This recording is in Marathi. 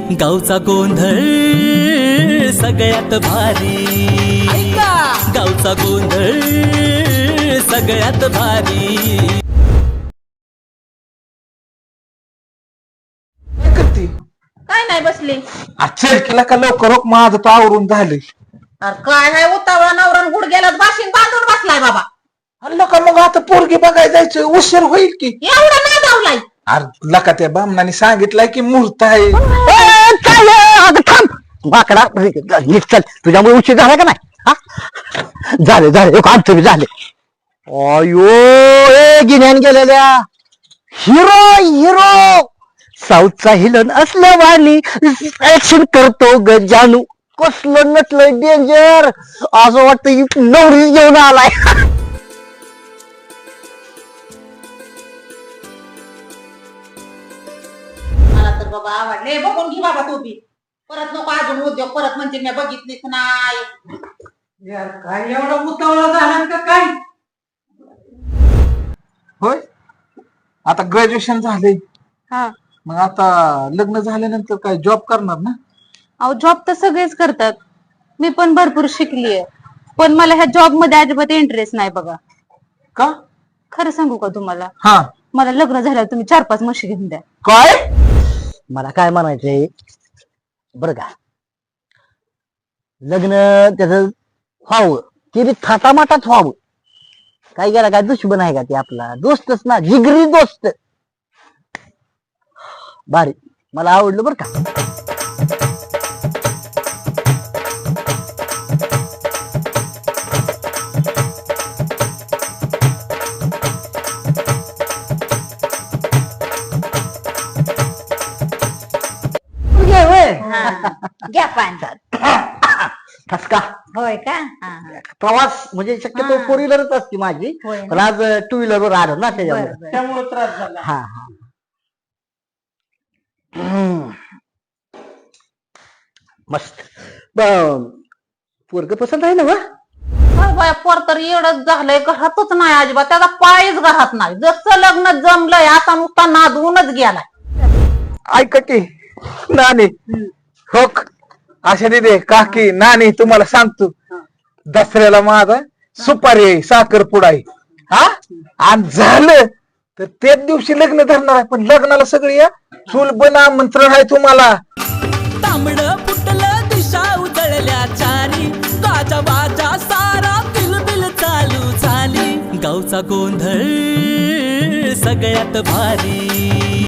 गावचा गोंधळ सगळ्यात भारी, गावचा गोंधळ सगळ्यात भारी. काय नाही बसली. चल केला का लवकर हो, माझं तर आवरून झालंय. अरे काय नाही उतावळा नवरा गुडघ्यालाच बाशिंग बांधून बसलाय बाबा. अल्ला का मग आता पोरगी बघायला जायचं, उशीर होईल की. एवढा नाही धावलाय. अरे लका त्या बामणाने सांगितलंय की मुहूर्त आहे. बाकडा नीट चल, तुझ्यामुळे उशीर झाला का नाही? हा झाले झाले आमचं बी झाले. अयो ए गिन्यान गेलेल्या हिरो हिरो साऊथचा हिलन असलं वाली ऍक्शन करतो ग जानू. कसलं नटलं डेंजर, असं वाटतं नवरीच घेऊन आलाय. मला तर बाबा आवडले. बघून घे बाबा तू बी. परत नको अजून उद्योग परत म्हणजे मी बघितलीच नाही. यार काय एवढा उतावळा झाला का काय? होय आता ग्रॅज्युएशन झालंय, हा मग आता लग्न झाल्यानंतर काय जॉब करणार ना? अहो जॉब तर सगळेच करतात, मी पण भरपूर शिकलीये, पण मला ह्या जॉब मध्ये अजिबात इंटरेस्ट नाही बघा. का? खरं सांगू का तुम्हाला, हा मला लग्न झाल्यावर तुम्ही 4-5 म्हशी घेऊन द्या. काय? मला काय म्हणायचंय बरं का, लग्न त्याच व्हावं ते बी थाटामाटात व्हावं. काय गेला काय दुश्मन आहे का ते आपला दोस्तच ना, जिगरी दोस्त. भारी, मला आवडलं बरं का. घ्या पान. ठसका होय का? प्रवास म्हणजे शक्यतो 4 व्हीलरच असते माझी, होय ना. पण आज 2 व्हीलरवर आलो ना त्याच्यामुळे. बरं, बरं. त्यामुळे त्रास झाला. हा हा हम्म. मस्त. पोरग पसंत आहे ना वा? होय बाया, पोर तर एवढंच झालंय, घरातच नाही अजिबात. त्याचा पायच घरात नाही. जसं लग्न जमलंय आता नुसता नादवूनच गेलाय. ऐका की नानी, हो अशा दे काकी नानी, तुम्हाला सांगतो दसऱ्याला माझा सुपारी आहे, साखरपुडा आहे. हा आणि झालं तर त्याच दिवशी लग्न धरणार आहे, पण लग्नाला सगळी या चूल बन आमंत्रण आहे तुम्हाला. तांबड फुटलं दिशा उजळल्या चारी, गाजा बाजा सारा बिलबिल चालू झाली. गावचा गोंधळ सगळ्यात भारी.